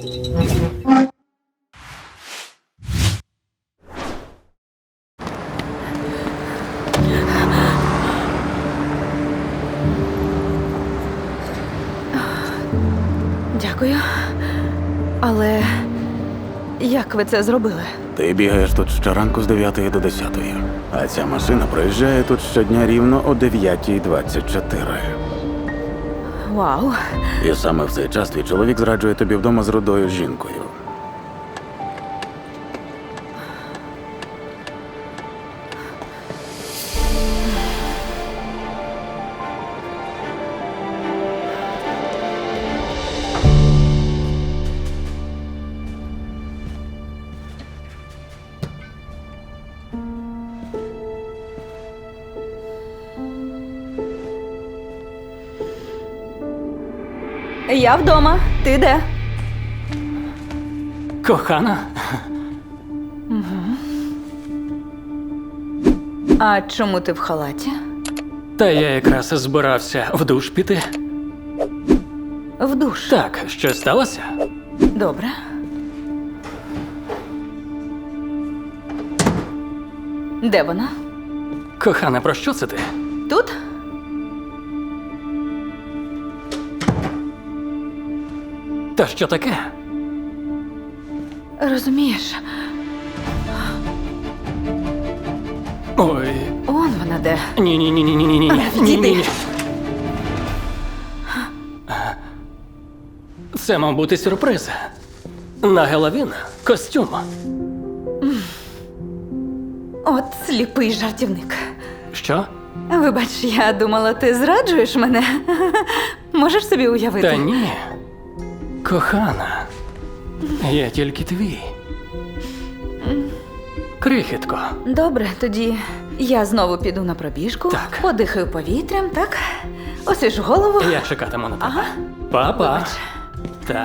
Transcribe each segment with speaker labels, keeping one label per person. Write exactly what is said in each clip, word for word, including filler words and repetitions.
Speaker 1: Дякую. Але як ви це зробили?
Speaker 2: Ти бігаєш тут щоранку з дев'ятої до десятої, а ця машина проїжджає тут щодня рівно о дев'ятій двадцять чотири.
Speaker 1: Вау.
Speaker 2: І саме в цей час твій чоловік зраджує тобі вдома з рудою жінкою.
Speaker 1: Я вдома. Ти де?
Speaker 3: Кохана?
Speaker 1: А чому ти в халаті?
Speaker 3: Та я якраз збирався в душ піти.
Speaker 1: В душ.
Speaker 3: Так, щось сталося?
Speaker 1: Добре. Де вона?
Speaker 3: Кохана, про що це ти?
Speaker 1: Тут?
Speaker 3: Та що таке?
Speaker 1: Розумієш,
Speaker 3: Ой,
Speaker 1: он вона де.
Speaker 3: ні-ні-ні-ні-ні-ні.
Speaker 1: Відійди.
Speaker 3: Ні-ні. Це мав бути сюрприз. На Геловін костюм.
Speaker 1: От сліпий жартівник.
Speaker 3: Що?
Speaker 1: Вибач, я думала, ти зраджуєш мене. Можеш собі уявити?
Speaker 3: Та ні. Кохана, я тільки твій. Крихітко.
Speaker 1: Добре, тоді я знову піду на пробіжку,
Speaker 3: Так.
Speaker 1: подихаю повітрям, так? Освіжу голову.
Speaker 3: Я чекатиму на тебе.
Speaker 1: Ага.
Speaker 3: Па-па.
Speaker 1: Вибач.
Speaker 3: Так.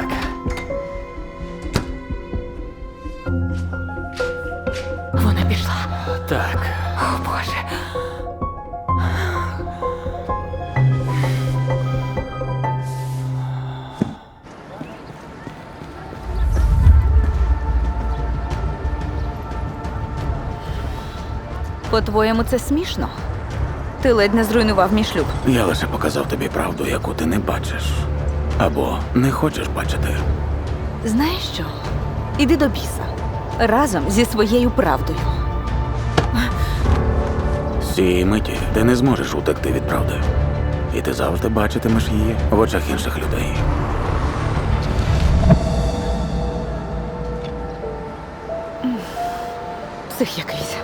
Speaker 1: Вона пішла.
Speaker 3: Так.
Speaker 1: О, Боже. По-твоєму, це смішно? Ти ледь не зруйнував мій шлюб.
Speaker 2: Я лише показав тобі правду, яку ти не бачиш. Або не хочеш бачити.
Speaker 1: Знаєш що? Іди до біса. Разом зі своєю правдою.
Speaker 2: З цієї миті ти не зможеш утекти від правди. І ти завжди бачитимеш її в очах інших людей.
Speaker 1: Псих якийсь.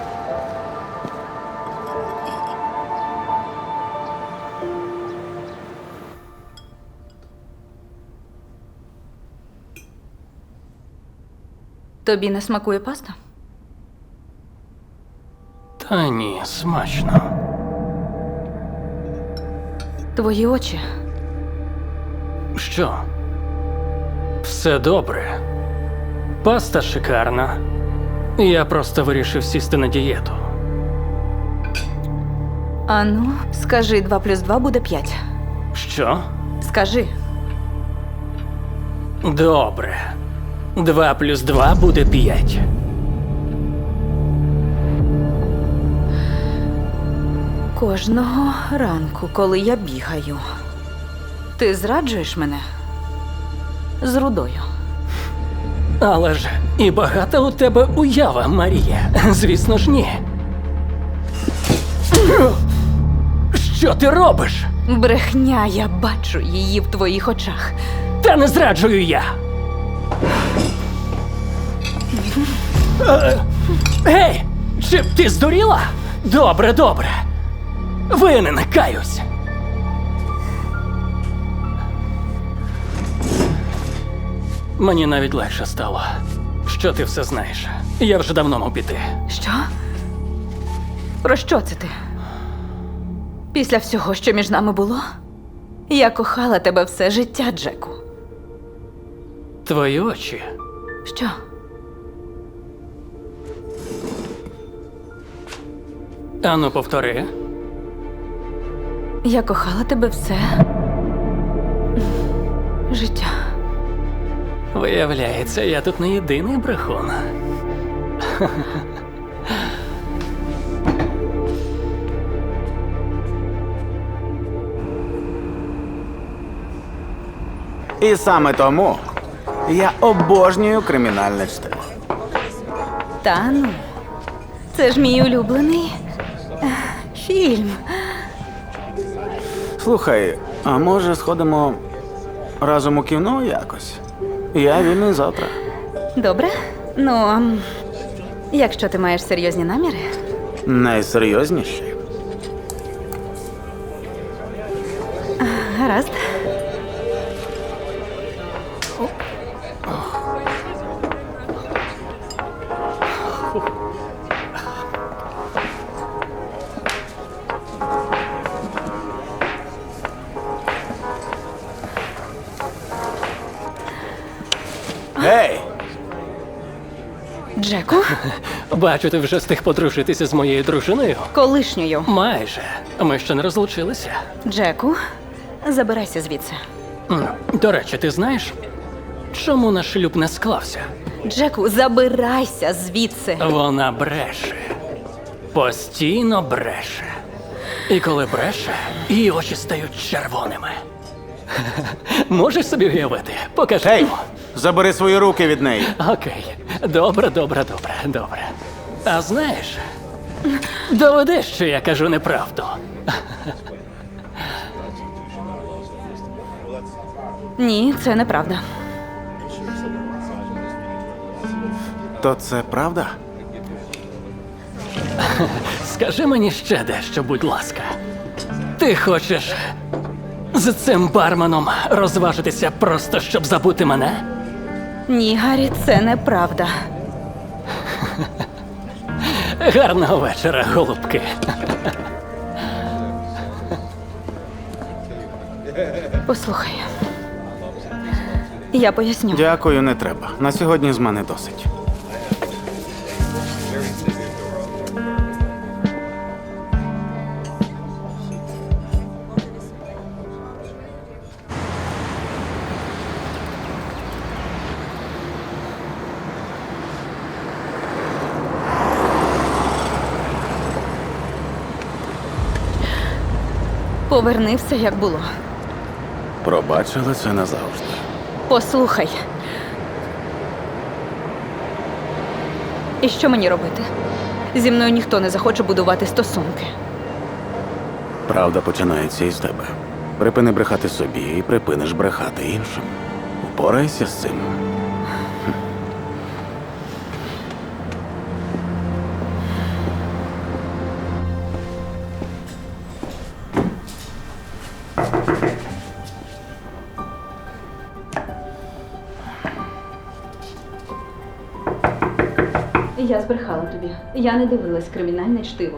Speaker 1: Тобі не смакує паста?
Speaker 3: Та ні, смачно.
Speaker 1: Твої очі.
Speaker 3: Що? Все добре. Паста шикарна. Я просто вирішив сісти на дієту.
Speaker 1: Ану, скажи, два плюс два буде п'ять.
Speaker 3: Що?
Speaker 1: Скажи.
Speaker 3: Добре. Два плюс два буде п'ять.
Speaker 1: Кожного ранку, коли я бігаю, ти зраджуєш мене з рудою.
Speaker 3: Але ж і багата у тебе уява, Марія. Звісно ж, ні. Що ти робиш?
Speaker 1: Брехня, я бачу її в твоїх очах.
Speaker 3: Та не зраджую я. Е, Гей! Чи ти здуріла? Добре, добре. Винен, каюсь. Мені навіть легше стало. Що ти все знаєш? Я вже давно мав піти.
Speaker 1: Що? Про що це ти? Після всього, що між нами було? Я кохала тебе все життя, Джеку.
Speaker 3: Твої очі.
Speaker 1: Що?
Speaker 3: Ану, повтори.
Speaker 1: Я кохала тебе все життя.
Speaker 3: Виявляється, я тут не єдиний брехун.
Speaker 2: І саме тому я обожнюю кримінальне чтиво.
Speaker 1: Та ну. Це ж мій улюблений е, фільм.
Speaker 2: Слухай, а може сходимо разом у кіно якось? Я вільний завтра.
Speaker 1: Добре? Ну, ем, якщо ти маєш серйозні наміри.
Speaker 2: Найсерйозніші.
Speaker 1: Гаразд.
Speaker 2: Гей!
Speaker 1: Джеку,
Speaker 3: Бачу, ти вже встиг подружитися з моєю дружиною.
Speaker 1: колишньою.
Speaker 3: Майже. Ми ще не розлучилися.
Speaker 1: Джеку, забирайся звідси.
Speaker 3: М, До речі, ти знаєш, чому наш шлюб не склався?
Speaker 1: Джеку, забирайся звідси.
Speaker 3: Вона бреше. Постійно бреше. І коли бреше, її очі стають червоними. Можеш собі уявити? Покажи.
Speaker 2: Гей! Забери свої руки від неї.
Speaker 3: Окей. Добре, добре, добре, добре. А знаєш, доведи, що я кажу неправду.
Speaker 1: Ні, це неправда.
Speaker 2: То це правда?
Speaker 3: Скажи мені ще дещо, будь ласка. Ти хочеш з цим барменом розважитися просто, щоб забути мене?
Speaker 1: Ні, Гаррі, це неправда.
Speaker 3: Гарного вечора, голубки.
Speaker 1: Послухай. Я поясню.
Speaker 2: Дякую, не треба. На сьогодні з мене досить.
Speaker 1: Поверни все, як було.
Speaker 2: Пробачили це назавжди.
Speaker 1: Послухай. І що мені робити? Зі мною ніхто не захоче будувати стосунки.
Speaker 2: Правда починається із тебе. Припини брехати собі і припиниш брехати іншим. Впорайся з цим.
Speaker 1: Я збрехала тобі. Я не дивилась кримінальне чтиво.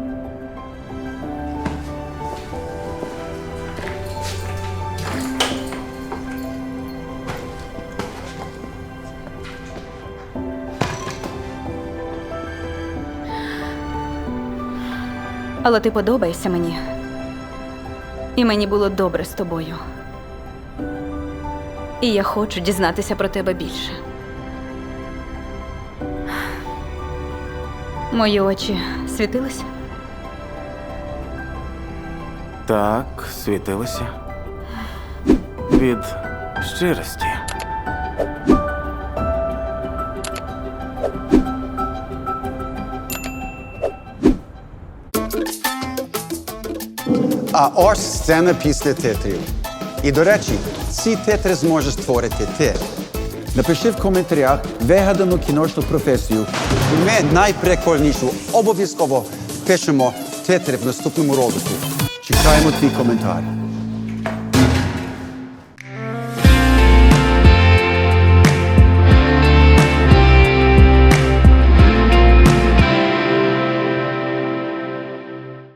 Speaker 1: Але ти подобаєшся мені. І мені було добре з тобою. І я хочу дізнатися про тебе більше. Мої очі світились?
Speaker 2: Так, світилося. Від щирості.
Speaker 4: А ось сцена після титрів. І, до речі, ці титри зможеш створити ти. Напиши в коментарях вигадану кіношну професію. І ми найприкольнішу обов'язково пишемо титри в наступному ролику. Чекаємо твій коментар.